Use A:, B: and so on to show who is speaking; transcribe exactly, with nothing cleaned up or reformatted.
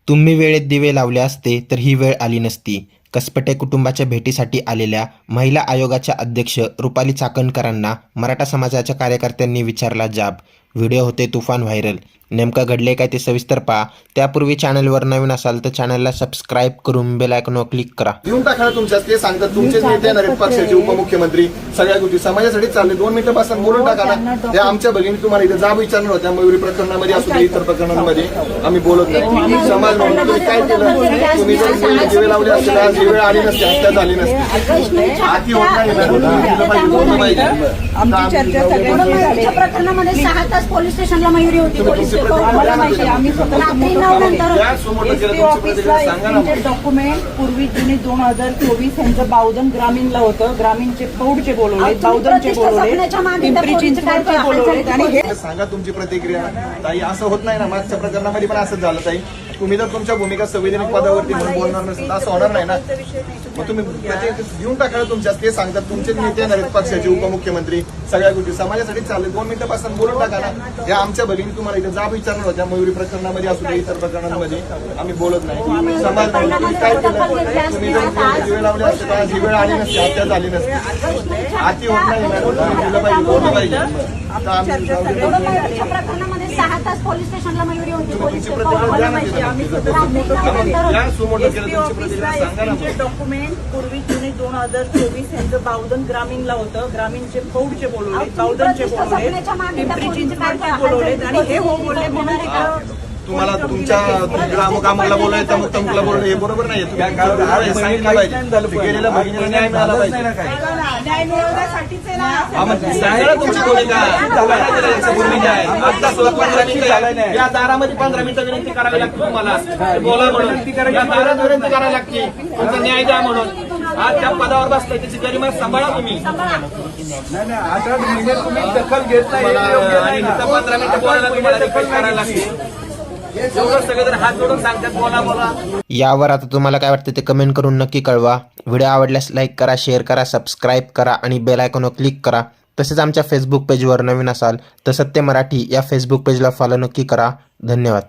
A: तुम्ही वेळेत दिवे लावले असते तर ही वेळ आली नसती. कसपटे कुटुंबाच्या भेटीसाठी आलेल्या महिला आयोगाच्या अध्यक्ष रुपाली चाकणकरांना मराठा समाजाच्या कार्यकर्त्यांनी विचारला जाब. व्हिडिओ होते तुफान व्हायरल. नेमकं घडले काय ते सविस्तर पहा. त्यापूर्वी चॅनलवर नवीन असाल तर चॅनलला सबस्क्राईब करून बेल आयकॉनवर क्लिक करा.
B: देऊन टाका तुमच्या ते सांगतात तुमचेच नेते येणार आहेत पक्षाचे उपमुख्यमंत्री सगळ्या गोष्टी समाजासाठी चालले. दोन मिनिटं पासून बोलून टाका ना. त्या आमच्या भगिनी तुम्हाला इथे जाब विचारणार होत्या मयुरी प्रकरणामध्ये असू दे इतर प्रकरणांमध्ये आम्ही बोलत नाही. समाज म्हणून तुम्ही काय केलं? तुम्ही जर दिवे लावले असते आज ही वेळ आली नसते, हत्या झाली नसती. आती होत नाही ना बोललं पाहिजे.
C: आमची चर्चा सगळ्यांच्या प्रकरणामध्ये सहा तास पोलीस स्टेशनला मयुरी होती. पोलीस आम्हाला माहिती आम्ही डॉक्युमेंट पूर्वी जुने दोन हजार चोवीस यांचं बावधन ग्रामीणला होतं. ग्रामीणचे पौडचे बोलवले, बावधनचे बोलवले, पिंपरी चिंचवडचे बोलवले. आणि हे
B: सांगा तुमची प्रतिक्रिया. ताई असं होत नाही ना. मागच्या प्रकरणामध्ये पण असंच झालं. ताई तुम्ही जर तुमच्या भूमिका संवैधानिक पदावरती म्हणून बोलणार नसेल असं होणार नाही ना. मग तुम्ही देऊन टाका तुमच्या ते सांगतात तुमचेच नेते येणार आहेत पक्षाचे उपमुख्यमंत्री सगळ्या गोष्टी समाजासाठी चालले. दोन मिनिटं पासून बोलून टाका ना. या आमच्या भगिनी तुम्हाला इथे जाब विचारणार होत्या मयुरी प्रकरणामध्ये असू दे इतर प्रकरणांमध्ये आम्ही बोलत नाही. समाज म्हणून काय केलं? तुम्ही जर दिवे लावले असते तर आज ही वेळ आली नसती, हत्या झाली नसती. आती होत नाही ना. दिलं पाहिजे बोललं पाहिजे.
C: प्रकरणामध्ये सहा तास पोलीस स्टेशनला मयुरी होती. पोलीस
D: डॉक्युमेंट पूर्वी जुने दोन हजार चोवीस यांचं बावधन ग्रामीणला होतं. ग्रामीणचे पौडचे बोलवले, बावधनचे बोलवले, पिंपरी चिंचवडचे बोलवले. आणि हे हो बोलले म्हणून
B: तुम्हाला तुमच्या ग्रामकामाला बोलाय तमुक तमुकला बोलणं हे बरोबर नाही. सांगितलं पाहिजे गेलेल्या भगिनीला न्याय मिळाला पाहिजे.
D: न्याय मिळवण्यासाठीच आहे
B: सांगा तुमची भूमिका. आता सुद्धा पंधरा मिनिटं या दारामध्ये पंधरा मिनिटं विनंती करावी लागते तुम्हाला. बोला म्हणून या दारात विनंती करावी लागते तुमचा न्याय द्या म्हणून. आज त्या पदावर बसलाय त्याची गरिमा सांभाळा तुम्ही.
E: दखल घेत
B: आणि पंधरा मिनिटं बोलायला तुम्हाला रिक्वेस्ट करायला लागते. सगळेजण हात जोडून सांगतात बोला बोला.
A: यावर आता तुम्हाला काय वाटतं ते कमेंट करून नक्की कळवा. व्हिडिओ आवडल्यास लाईक करा, शेअर करा, सबस्क्राईब करा आणि बेल आयकॉनवर क्लिक करा. तसेच आमच्या फेसबुक पेजवर नवीन असाल तर सत्य मराठी या फेसबुक पेजला फॉलो नक्की करा. धन्यवाद.